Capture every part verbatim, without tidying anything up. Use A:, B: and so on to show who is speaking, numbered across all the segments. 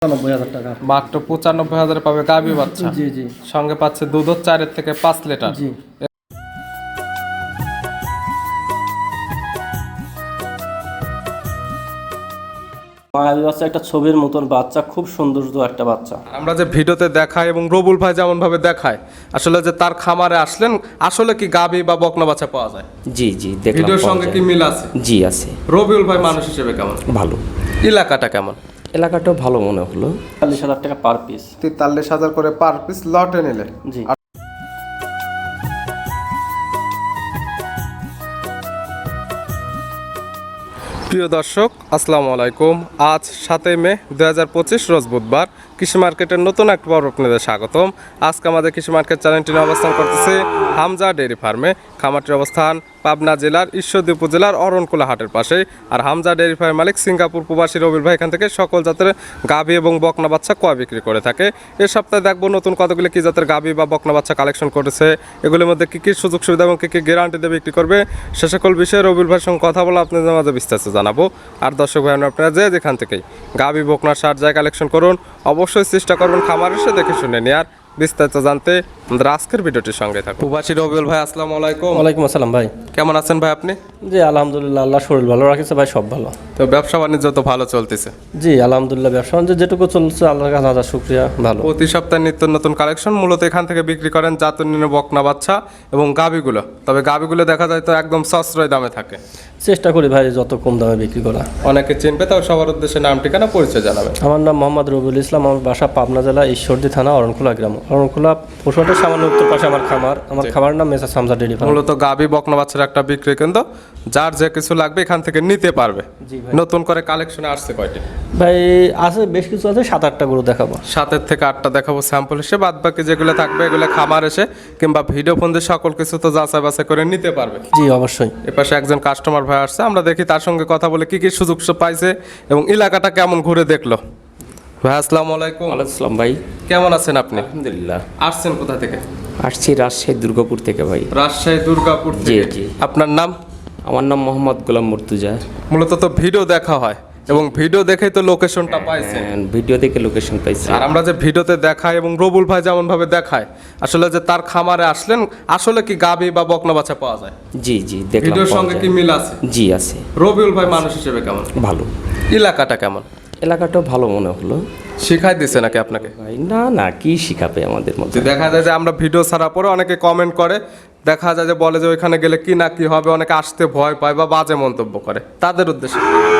A: নব্বই হাজার টাকা
B: মাত্র পঁচানব্বই হাজারে পাবে গাভী বাচ্চা।
A: জি জি
B: সঙ্গে পাচ্ছে দুধ চারের থেকে পাঁচ লিটার।
A: জি মায়াবী বাচ্চা, একটা ছবির মতন বাচ্চা, খুব সৌন্দর্য একটা বাচ্চা।
B: আমরা যে ভিডিওতে দেখাই এবং রবুল ভাই যেমন ভাবে দেখায়, আসলে যে তার খামারে আসলেন আসলে কি গাভী বা বকনা বাচ্চা পাওয়া যায়?
C: জি জি দেখলাম,
B: ভিডিওর
C: পাওয়া
B: সঙ্গে
C: যায়।
B: কি মিল আছে?
C: জি আছে।
B: রবিউল ভাই মানুষ হিসেবে কেমন?
C: ভালো।
B: এলাকাটা কেমন?
C: এলাকাটাও ভালো মনে হলো।
A: চল্লিশ হাজার টাকা পার পিস।
B: তেতাল্লিশ হাজার করে পার পিস লটে নিলে।
A: জি
B: প্রিয় দর্শক আসসালামু আলাইকুম। আজ সাতই মে দুই হাজার পঁচিশ রোজ বুধবার। কৃষি মার্কেটের নতুন এক পর্ব আপনাদের স্বাগতম। আজকে আমাদের কৃষি মার্কেট চ্যানেলটি নিয়ে অবস্থান করতেছে হামজা ডেয়ারি ফার্মে। খামারটির অবস্থান পাবনা জেলার ঈশ্বরদী উপজেলার অরণকুলা হাটের পাশে। আর হামজা ডেয়ারি ফার্মের মালিক সিঙ্গাপুর প্রবাসী রবিউল ভাই এখান থেকে সকল জাতের গাভী এবং বকনা বাচ্চা ক্রয় বিক্রি করে থাকে। এ সপ্তাহে দেখবো নতুন কতগুলি কী জাতের গাভী বা বকনা বাচ্চা কালেকশন করেছে, এগুলির মধ্যে কী কী সুযোগ সুবিধা এবং কী কী গ্যারান্টি দিয়ে বিক্রি করবে, সে সকল বিষয়ে রবিউল ভাইয়ের সঙ্গে কথা বলে আপনাদের মাঝে বিস্তারিত জানাবো। আর দর্শক ভাই আপনারা যে যেখান থেকেই গাভী বকনা সার যায় কালেকশন করুন, অবশ্যই চেষ্টা করবেন খামার এসে দেখে শুনে নেওয়ার। বিস্তারিত জানতে আমাদের আজকের ভিডিওটির সঙ্গে থাকুন। প্রবাসী রবিউল ভাই আসসালামু আলাইকুম।
A: ওয়ালাইকুম আসসালাম ভাই।
B: কেমন আছেন ভাই আপনি?
A: জি আলহামদুলিল্লাহ, আল্লাহ শরীর ভালো রাখেছে ভাই, সব ভালো।
B: তো ব্যবসা বাণিজ্য তো ভালো চলতেছে?
A: জি আলহামদুলিল্লাহ, ব্যবসা বাণিজ্য যেটুকু চলছে আল্লাহর কাছে হাজার শুকরিয়া, ভালো।
B: প্রতি সপ্তাহে নিত্য নতুন কালেকশন মূলত এখান থেকে বিক্রি করেন জাতুনির বকনা বাচ্চা এবং গাভীগুলো। তবে গাভীগুলো দেখা যায় তো একদম সাশ্রয় দামে থাকে।
A: চেষ্টা করি ভাই যত কম দামে বিক্রি করা।
B: অনেকে চিনবে, তাও সবার উদ্দেশ্যে নাম ঠিকানা পরিচয় জানাবেন।
A: আমার নাম মোহাম্মদ রবিউল ইসলাম, আমার বাসা পাবনা জেলা ঈশ্বরদী থানা অরণখোলা গ্রাম। অরণখোলা পশুহাটের সামান্য উত্তর পাশে আমার খামার। আমার খামারের নাম মেসার্স হামজা ডেয়ারি ফার্ম।
B: মূলত গাভী বকনা বাচ্চার একটা বিক্রি কেন্দ্র, যার যে কিছু লাগবে এখান থেকে নিতে পারবে।
A: জি ভাই।
B: নতুন করে কালেকশনে আসছে কয়টি?
A: ভাই আছে, বেশ কিছু আছে, সাত আটটা গরু দেখাবো।
B: সাতের থেকে আটটা দেখাবো স্যাম্পল হিসেবে, বাদ বাকি যেগুলো থাকবে এগুলো খামার এসে কিংবা ভিডিও ফোন দিয়ে সকল কিছু তো যাচাই বাছাই করে নিতে পারবে।
A: জি অবশ্যই।
B: এপাশে একজন কাস্টমার ভাই আসছে, আমরা দেখি তার সঙ্গে কথা বলে কি কি সুযোগ পাইছে এবং এলাকাটা কেমন ঘুরে দেখলো। ভাই আসসালামু আলাইকুম।
C: ওয়ালাইকুম আসসালাম ভাই।
B: কেমন আছেন আপনি?
C: আলহামদুলিল্লাহ।
B: আসছেন কোথা থেকে?
C: আসছি রাজশাহী দুর্গাপুর থেকে ভাই।
B: রাজশাহী দুর্গাপুর
C: জি
B: থেকে।
C: জি।
B: আপনার নাম?
C: আমার নাম মোহাম্মদ গোলাম মুর্তুজা।
B: মূলত তো ভিডিও দেখা হয় এবং ভিডিও দেখেই তো লোকেশনটা পাইছে।
C: ভিডিও দেখে লোকেশন পাইছি।
B: আর আমরা যে ভিডিওতে দেখাই এবং রবুল ভাই যেমন ভাবে দেখায়, আসলে যে তার খামারে আসলেন আসলে কি গাভী বা বকনা বাচ্চা পাওয়া যায়?
C: জি জি দেখলাম,
B: ভিডিওর
C: পাওয়া
B: সঙ্গে
C: যায়।
B: কি মিল আছে?
C: জি আছে।
B: রবিউল ভাই মানুষ হিসেবে কেমন?
C: ভালো।
B: এলাকাটা কেমন?
C: এলাকাটাও ভালো মনে হলো।
B: শিখাই দিছে নাকি আপনাকে?
C: ভাই না না, কি শিখাবে আমাদের মধ্যে।
B: যে দেখা যায় যে আমরা ভিডিও ছাড়া পরে অনেকে কমেন্ট করে, দেখা যায় যে বলে যে ওইখানে গেলে কি না কি হবে, অনেকে আসতে ভয় পায় বা বাজে মন্তব্য করে, তাদের উদ্দেশ্যে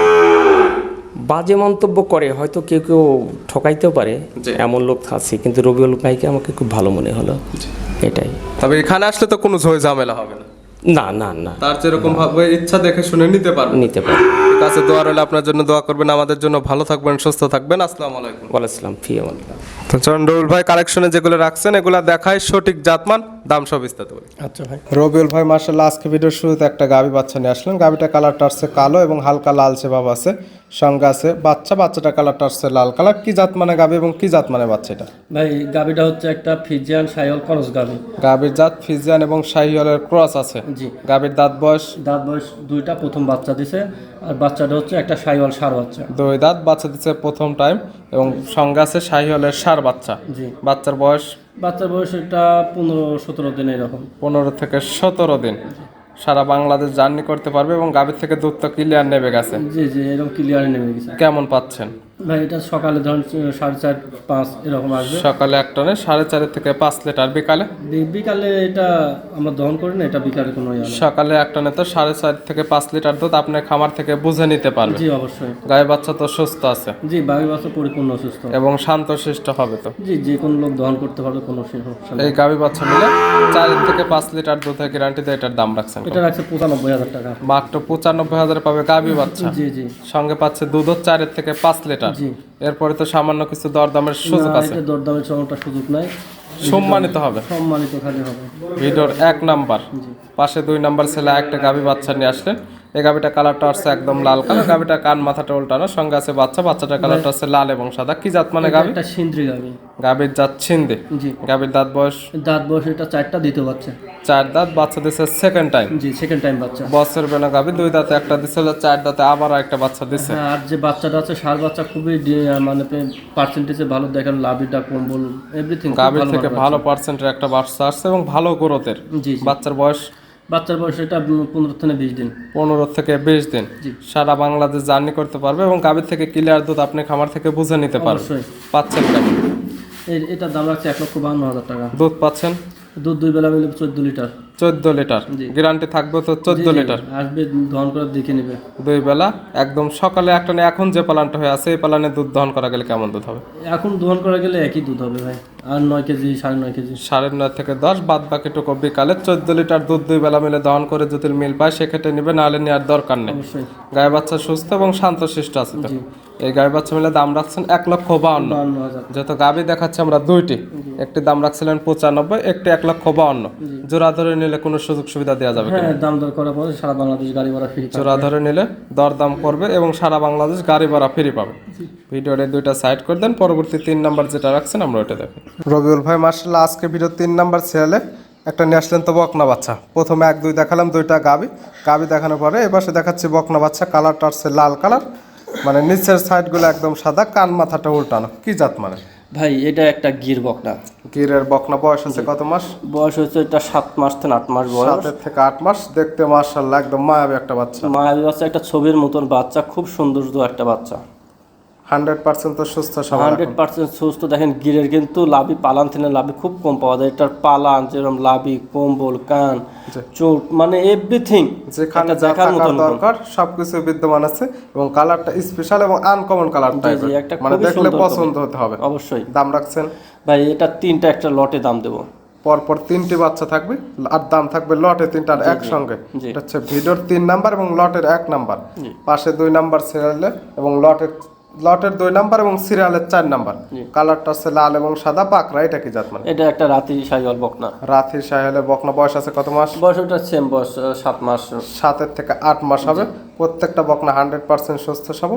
C: বাজে মন্তব্য করে, হয়তো কেউ কেউ ঠকাইতেও পারে,
B: জি।
C: এমন লোক আছে, কিন্তু রবিউল ভাইকে আমাকে খুব ভালো মনে হলো, এটাই।
B: তবে এখানে আসলে তো কোনো ঝয় ঝামেলা হবে না।
C: না না না,
B: তার যেরকম ভাবে ইচ্ছা দেখে শুনে নিতে পারবেন।
C: নিতে পারে।
B: ঠিক আছে, দোয়া রইলে আপনার জন্য, দোয়া করবেন আমাদের জন্য। ভালো থাকবেন, সুস্থ থাকবেন। আসসালামু আলাইকুম।
C: ওয়ালাইকুম ফি আমাল্লাহ।
B: তো চরণ রবিউল ভাই কালেকশনে যেগুলো রাখছেন এগুলো দেখায় সঠিক জাতমান, দাম সব বিস্তারিত বলি।
A: আচ্ছা ভাই।
B: রবিউল ভাই মার্শাল্লাহ আজকে ভিডিওর শুরুতে একটা গাভী বাচ্চা নিয়ে আসলেন। গাভীটা কালারটা আসছে কালো এবং হালকা লালচে ভাব আছে, সঙ্গে আছে বাচ্চা। বাচ্চাটা কালারটা আসছে লাল কালার। কি জাত মানে গাভী এবং কি জাত মানে বাচ্চা এটা?
A: ভাই গাবিটা হচ্ছে একটা ফিজিয়ান সাইওয়াল ক্রস গাবি।
B: গাভীর জাত ফিজিয়ান এবং শাহিওয়ালের ক্রস আছে।
A: জি।
B: গাভীর দাঁত বয়স?
A: দাঁত বয়স দুইটা, প্রথম বাচ্চা দিছে। আর বাচ্চাটা হচ্ছে একটা সাইওয়াল ষাঁড় বাচ্চা।
B: দুই দাঁত, বাচ্চা দিচ্ছে প্রথম টাইম এবং সঙ্গে আছে শাহিওয়ালের ষাঁড় বাচ্চা।
A: জি।
B: বাচ্চার বয়স?
A: বাচ্চার বয়স এটা পনেরো সতেরো দিন এরকম।
B: পনেরো থেকে সতেরো দিন। সারা বাংলাদেশ জার্নি করতে পারবে এবং গাভীর থেকে দুধ তো ক্লিয়ার নেবে গেছে।
A: জি জি এরকম ক্লিয়ারে নেমে গেছে।
B: কেমন পাচ্ছেন?
A: ভাই এটা সকালে ধরুন সাড়ে চার পাঁচ এরকম আসবে।
B: সকালে এক টনে সাড়ে চারের থেকে পাঁচ লিটার। বিকালে?
A: বি- বিকালে এটা আমরা দহন করি না, এটা বিকালে কোনো ইয়ে না।
B: সকালে এক টনে তো সাড়ে চার থেকে পাঁচ লিটার দুধ আপনার খামার থেকে বুঝে নিতে পারবে।
A: জি অবশ্যই।
B: গায়ে বাচ্চা তো সুস্থ আছে
A: জি বাকি বাচ্চা পরিপূর্ণ সুস্থ
B: এবং শান্তশিষ্ট হবে তো।
A: জি যে কোনো লোক দহন করতে পারবে, কোনো সমস্যা নেই।
B: এই গাভী বাচ্চা মিলে চার থেকে পাঁচ লিটার দুধের গ্যারান্টি দিয়ে এটার দাম রাখছেন কত?
A: এটা রাখছে পঁচানব্বই হাজার টাকা।
B: মাত্র পঁচানব্বই হাজারে পাবে গাভী বাচ্চা।
A: জি জি
B: সঙ্গে পাচ্ছে দুধ চারের থেকে পাঁচ লিটার।
A: জি।
B: এরপরে তো সামান্য কিছু দরদামের সুযোগ
A: না,
B: আছে।
A: এটা দরদামের চমকটা সুযোগ নাই,
B: সম্মানিত হবে।
A: সম্মানিত খালি হবে।
B: ভিডিওর এক নাম্বার পাশে দুই নাম্বার ছেলে একটা গাভী বাচ্চা নিয়ে আসলেন। এই গাবিটা কালারটা আসছে একদম লাল কালার, গাবিটা কান মাথাটা উল্টানো, সঙ্গে আছে বাচ্চা, বাচ্চাটার কালারটা আছে লাল এবং সাদা। কি জাত মানে গাবি?
A: একটা সিন্দ্রি গাবি।
B: গাবির জাত ছিন্দে।
A: জি।
B: গাবির দাঁত বয়স?
A: দাঁত বয়স এটা চারটা দিতে পারছে।
B: চার দাঁত, বাচ্চা দিছে সেকেন্ড টাইম।
A: জি, সেকেন্ড টাইম বাচ্চা।
B: বছর বেলা গাবি, দুই দাঁতে একটা দিছিল, চার দাঁতে আবার একটা বাচ্চা দিছে।
A: হ্যাঁ, আর যে বাচ্চাটা আছে ষাঁড় বাচ্চা খুবই ডি- মানে পার্সেন্টেজে ভালো, দেখেন লাভিটা কম্বল এভরিথিং
B: গাবির থেকে ভালো পার্সেন্টের একটা বাচ্চা আসছে এবং ভালো গ্রোথের।
A: জি জি।
B: বাচ্চার বয়স?
A: বাচ্চার বয়স এটা পনেরো থেকে বিশ দিন।
B: পনেরো থেকে বিশ দিন।
A: জি।
B: সারা বাংলাদেশ জার্নি করতে পারবে এবং গাবির থেকে ক্লিয়ার দুধ আপনি খামার থেকে বুঝে নিতে পারবেন।
A: অবশ্যই।
B: পাচ্ছেন কেমন?
A: এর এটার দাম রাখছে এক লক্ষ বাহান্ন হাজার টাকা।
B: দুধ পাচ্ছেন?
A: দুধ দুই বেলা মিলে চোদ্দ লিটার।
B: চোদ্দ লিটার।
A: জি।
B: গ্যারান্টি থাকবে তো চোদ্দ
A: জি, জি,
B: লিটার?
A: আসবে দহন করে দেখে নেবে।
B: দুই বেলা একদম সকালে একটা না, এখন যে পালানটা হয়ে আছে এই পালানে দুধ দহন করা গেলে কেমন দুধ হবে?
A: এখন দহন করা গেলে একই দুধ হবে ভাই, আর নয় কেজি সাড়ে নয় কেজি।
B: সাড়ে নয় থেকে দশ, বাদ বাকিটুকু বিকালে চোদ্দ লিটার দুধ দুই বেলা মিলে দহন করে যদি মিল পায় সেক্ষেত্রে নিবে, নাহলে নেওয়ার দরকার নেই।
A: অবশ্যই।
B: গায়ে বাচ্চা সুস্থ এবং শান্তশিষ্ট আছে তো।
A: জি।
B: এই গায়ে বাচ্চা মিলে দাম রাখছেন এক লক্ষ বাউন্ন।
A: বাহান্ন হাজার।
B: যত গাবি দেখাচ্ছে আমরা দুইটি, একটি দাম রাখছিলেন পঁচানব্বই, একটি এক লক্ষ বাউন্ন। জোড়া ধরে নিলে কোনো সুযোগ সুবিধা দেওয়া যাবে কিনা?
A: হ্যাঁ, দাম দর করার পরে সারা বাংলাদেশ গাড়ি ভাড়া ফ্রি।
B: জোড়া ধরে নিলে দরদাম করবে এবং সারা বাংলাদেশ গাড়ি ভাড়া ফ্রি পাবে। ভিডিওর দুইটা সাইড করে দেন, পরবর্তী তিন নাম্বার যেটা রাখছেন আমরা ওইটা দেখি। রবিউল ভাই মার্শাল্লাহ আজকে ভিডিও তিন নাম্বার ছেলে একটা নিয়ে আসলেন তো বকনা বাচ্চা। প্রথমে এক দুই দেখালাম, দুইটা গাবি গাবি দেখানোর পরে এপাশে দেখাচ্ছি বকনা বাচ্চা। কালারটা আসছে লাল কালার, মানে নিচের সাইডগুলো একদম সাদা, কান মাথাটা উল্টানো। কি জাত মানে?
A: ভাই এটা একটা গির বকনা।
B: গিরের বকনা। বয়স হচ্ছে কত মাস?
A: বয়স হচ্ছে এটা সাত মাস থেকে আট মাস বয়স।
B: সাতের থেকে আট মাস। দেখতে মাশাআল্লাহ একদম মায়াবী একটা বাচ্চা।
A: মায়াবী বাচ্চা, একটা ছবির মতন বাচ্চা, খুব সৌন্দর্য একটা বাচ্চা।
B: হান্ড্রেড পার্সেন্ট তো সুস্থ সবল।
A: হান্ড্রেড পার্সেন্ট সুস্থ। দেখেন গিরের কিন্তু লাভি পালান থেকে লাভি খুব কম পাওয়া যায়। এটার পালান যেরকম লাভি, কম্বল, কান, চোখ, মানে এভরিথিং
B: যেখানে যা থাকার দরকার সবকিছু বিদ্যমান আছে এবং কালারটা স্পেশাল এবং আনকমন কালার টাইপের,
A: একটা
B: মানে
A: খুবই
B: দেখলে
A: সুন্দর
B: পছন্দ হতে হবে।
A: অবশ্যই।
B: দাম রাখছেন?
A: ভাই এটা তিনটা একটা লটে দাম দেবো।
B: পরপর তিনটি বাচ্চা থাকবে আর দাম থাকবে লটে তিনটার একসঙ্গে।
A: জি।
B: এটা হচ্ছে ভিডিওর তিন নাম্বার এবং লটের এক নাম্বার,
A: জি।
B: পাশে দুই নাম্বার সিরিয়ালে এবং লটের লটের দুই নাম্বার এবং সিরিয়ালের চার নাম্বার। কালারটা হচ্ছে লাল এবং সাদা পাকড়া। এটা কি জাত মানে?
A: এটা একটা রাতি সাইওয়াল বকনা।
B: রাথি সাহেলের বকনা। বয়স আছে কত মাস?
A: বয়স ওটা সেম বয়স, সাত মাস।
B: সাতের থেকে আট মাস হবে। প্রত্যেকটা বকনা হান্ড্রেড পার্সেন্ট সুস্থ সবল।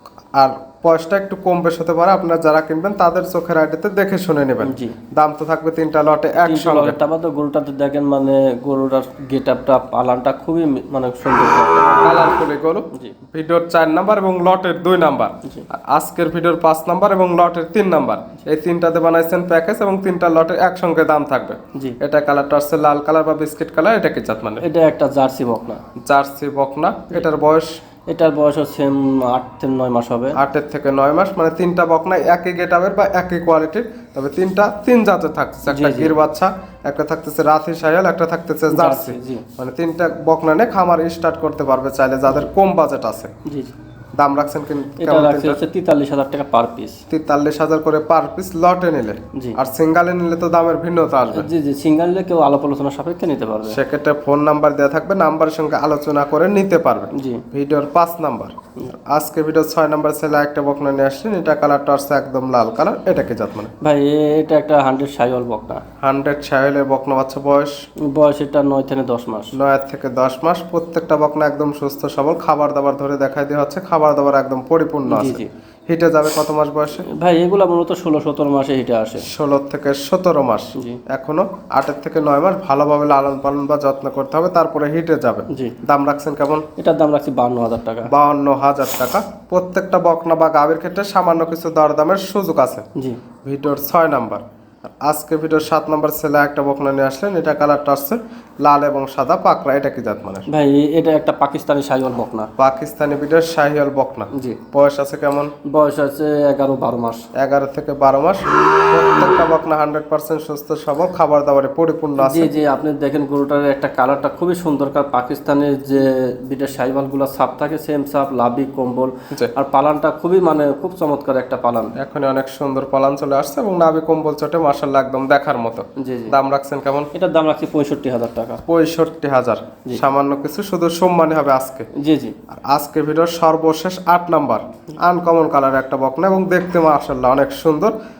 B: আর বয়সটা একটু কম বেশ হতে পারে, আপনারা যারা কিনবেন তাদের চোখের আইডিতে দেখে শুনে নেবেন।
A: জি।
B: দাম তো থাকবে তিনটা লটে একসঙ্গে।
A: তারপর তো গরুটাতে দেখেন মানে গরুটার গেট আপটা, পালানটা খুবই মানে সুন্দর।
B: কালারফুল গরু।
A: জি।
B: ভিডিওর চার নাম্বার এবং লটের দুই নাম্বার।
A: জি।
B: আর আজকের ভিডিওর পাঁচ নাম্বার এবং লটের তিন নাম্বার, এই তিনটাতে বানাইছেন প্যাকেজ এবং তিনটা লটের একসঙ্গে দাম থাকবে।
A: জি।
B: এটা কালারটা আসছে লাল কালার বা বিস্কিট কালার। এটা কি জাত মানে?
A: এটা একটা জার্সি বকনা।
B: জার্সি বকনা। এটার বয়স?
A: এটার বয়স হচ্ছে আট থেকে নয় মাস হবে।
B: আটের থেকে নয় মাস, মানে তিনটা বকনা একই গেটাবের বা একই কোয়ালিটির, তবে তিনটা তিন জাতের থাকতেছে। একটা গির বাচ্চা, একটা থাকতেছে রাথি সাইয়াল, একটা থাকতেছে জার্সি।
A: জি।
B: মানে তিনটা বকনা নিয়ে খামার স্টার্ট করতে পারবে চাইলে যাদের কম বাজেট আছে।
A: জি জি।
B: দাম রাখছেন কিন্তু
A: এটা
B: কেমন?
A: রাখছে হচ্ছে তেতাল্লিশ হাজার টাকা পার পিস।
B: তেতাল্লিশ হাজার করে পার পিস লটে নিলে।
A: জি।
B: আর সিঙ্গালে নিলে তো দামের ভিন্নতা আসবে।
A: জি জি, সিঙ্গেল কেউ আলাপ আলোচনা সাপেক্ষে নিতে পারবে।
B: সেক্ষেত্রে ফোন নাম্বার দেওয়া থাকবে, নাম্বারের সঙ্গে আলোচনা করে নিতে পারবে।
A: জি।
B: ভিডিওর পাঁচ নাম্বার। আজকে ভিডিও ছয় নাম্বার ছেলে একটা বকনা নিয়ে আসছেন। এটা কালারটা আসছে একদম লাল কালার। এটা কি জাত মানে?
A: ভাই এটা একটা হান্ড্রেড সাইওয়াল বকনা।
B: হান্ড্রেড সাহেলের বকনা বাচ্চা। বয়স?
A: বয়স এটা নয় থেকে দশ মাস।
B: নয় থেকে দশ মাস। প্রত্যেকটা বকনা একদম সুস্থ সবল। খাবার দাবার ধরে দেখাই দেওয়া হচ্ছে, খাবার দাবার একদম পরিপূর্ণ
A: জি
B: আছে।
A: জি।
B: হিটে যাবে কত মাস বয়সে?
A: ভাই এগুলা মূলত ষোলো সতেরো মাসে হিটে আসে।
B: ষোলো থেকে সতেরো মাস।
A: জি।
B: এখনো আটের থেকে নয় মাস ভালোভাবে লালন পালন বা যত্ন করতে হবে, তারপরে হিটে যাবে।
A: জি।
B: দাম রাখছেন কেমন?
A: এটার দাম রাখছি বান্ন হাজার টাকা।
B: বাউন্ন হাজার টাকা। প্রত্যেকটা বকনা বা গাভীর ক্ষেত্রে সামান্য কিছু দরদামের সুযোগ আছে।
A: জি।
B: ভিডিওর ছয় নাম্বার। আর আজকে ভিডিওর সাত নাম্বার ছেলে একটা বকনা নিয়ে আসলেন। এটা কালারটা আসছে লাল এবং সাদা পাকড়া। এটা কি জাত মানে?
A: ভাই এটা একটা পাকিস্তানি সাইওয়াল বকনা।
B: পাকিস্তানি ভিডিওর শাহিয়াল বকনা।
A: জি।
B: বয়স আছে কেমন?
A: বয়স আছে এগারো বারো মাস।
B: এগারো থেকে বারো মাস। প্রত্যেকটা বকনা হান্ড্রেড পার্সেন্ট সুস্থ সবল, খাবার দাবারে পরিপূর্ণ আছে।
A: জি জি, আপনি দেখেন গরুটার একটা কালারটা খুবই সুন্দর। কার পাকিস্তানের যে বিটের সাইওয়াল গুলো সাপ থাকে সেম সাপ, লাভি, কম্বল,
B: জি।
A: আর পালানটা খুবই মানে খুব চমৎকার একটা পালান।
B: এখন অনেক সুন্দর পালান চলে আসছে এবং নাভি কম্বল চটে মাশাআল্লাহ একদম দেখার মতো।
A: জি জি।
B: দাম রাখছেন কেমন?
A: এটার দাম রাখছি পঁয়ষট্টি হাজার টাকা।
B: পঁয়ষট্টি হাজার। সামান্য কিছু শুধু সম্মানী হবে আজকে।
A: জি জি।
B: আর আজকে ভিডিওর সর্বশেষ আট নাম্বার আনকমন কালার একটা বকনা এবং দেখতে মাশাআল্লাহ অনেক সুন্দর।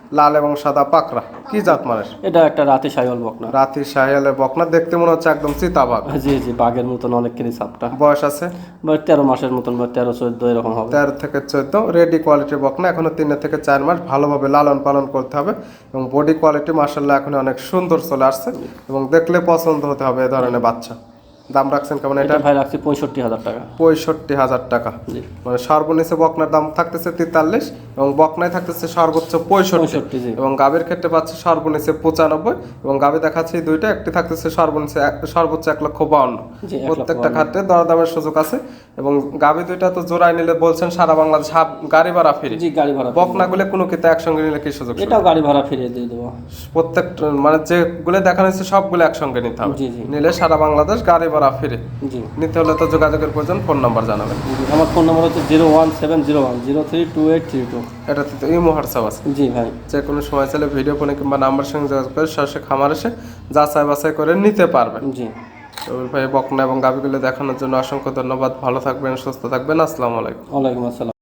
B: লাল এবং সাদা পাকড়া, কি জাত মানের?
A: এটা একটা রাতে সাইওয়াল বকনা।
B: রাতি শাহিয়ালের বকনা, দেখতে মনে হচ্ছে একদম চিতাবাঘ।
A: জি জি, বাঘের মতন অনেকখানি সাপটা।
B: বয়স আছে
A: বা তেরো মাসের মতন, বা তেরো চোদ্দ এরকম হবে।
B: তেরো থেকে চোদ্দ, রেডি কোয়ালিটির বকনা, এখনো তিন থেকে চার মাস ভালোভাবে লালন পালন করতে হবে এবং বডি কোয়ালিটি মাশাআল্লাহ এখন অনেক সুন্দর চলে আসছে এবং দেখলে পছন্দ হতে হবে এ ধরনের বাচ্চা। দাম রাখছেন কেমন এটা?
A: এটা ভাই রাখছি পঁয়ষট্টি হাজার টাকা।
B: পঁয়ষট্টি হাজার টাকা।
A: জি।
B: মানে সর্বনিচে বকনার দাম থাকতেছে তেতাল্লিশ এবং বকনায় থাকতেছে সর্বোচ্চ পঁয়ষট্টি
A: পঁয়ষট্টি, জি।
B: এবং গাভীর ক্ষেত্রে পাচ্ছে সর্বনিচে পঁচানব্বই এবং গাভী দেখাচ্ছে এই দুইটা, একটি থাকতেছে সর্বনিচে এক- সর্বোচ্চ এক লক্ষ বাউন্ন।
A: জি, এক লক্ষ
B: প্রত্যেকটা ক্ষেত্রে দরদামের সুযোগ আছে এবং গাভী দুইটা তো জোড়ায় নিলে বলছেন সারা বাংলাদেশ হাফ গাড়ি ভাড়া ফ্রি।
A: জি, গাড়ি ভাড়া।
B: বকনাগুলো কোনো কিতা একসঙ্গে নিলে কি সুযোগ?
A: এটাও গাড়ি ভাড়া ফিরিয়ে দিয়ে দেবো।
B: প্রত্যেকটা মানে যেগুলো দেখানো হচ্ছে সবগুলো একসঙ্গে নিতে হবে।
A: জি, জি।
B: নিলে সারা বাংলাদেশ গাড়ি ভাড়া ফ্রি।
A: জি।
B: নিতে হলে তো যোগাযোগের প্রয়োজন, ফোন নাম্বার জানাবেন।
A: জি, আমার ফোন নম্বর হচ্ছে zero one seven zero one zero three two eight three two.
B: এটাতে তো ইমো হোয়াটসঅ্যাপ আছে।
A: জি ভাই।
B: যে কোনো সময় চাইলে ভিডিও ফোনে কিংবা নাম্বার সঙ্গে যোগাযোগ করে সরাসরি খামার এসে যাচাই বাছাই করে নিতে পারবেন।
A: জি।
B: রবির ভাই বকনা এবং গাভীগুলো দেখানোর জন্য অসংখ্য ধন্যবাদ। ভালো থাকবেন, সুস্থ থাকবেন। আসসালামু আলাইকুম।
A: ওয়ালাইকুম আসসালাম।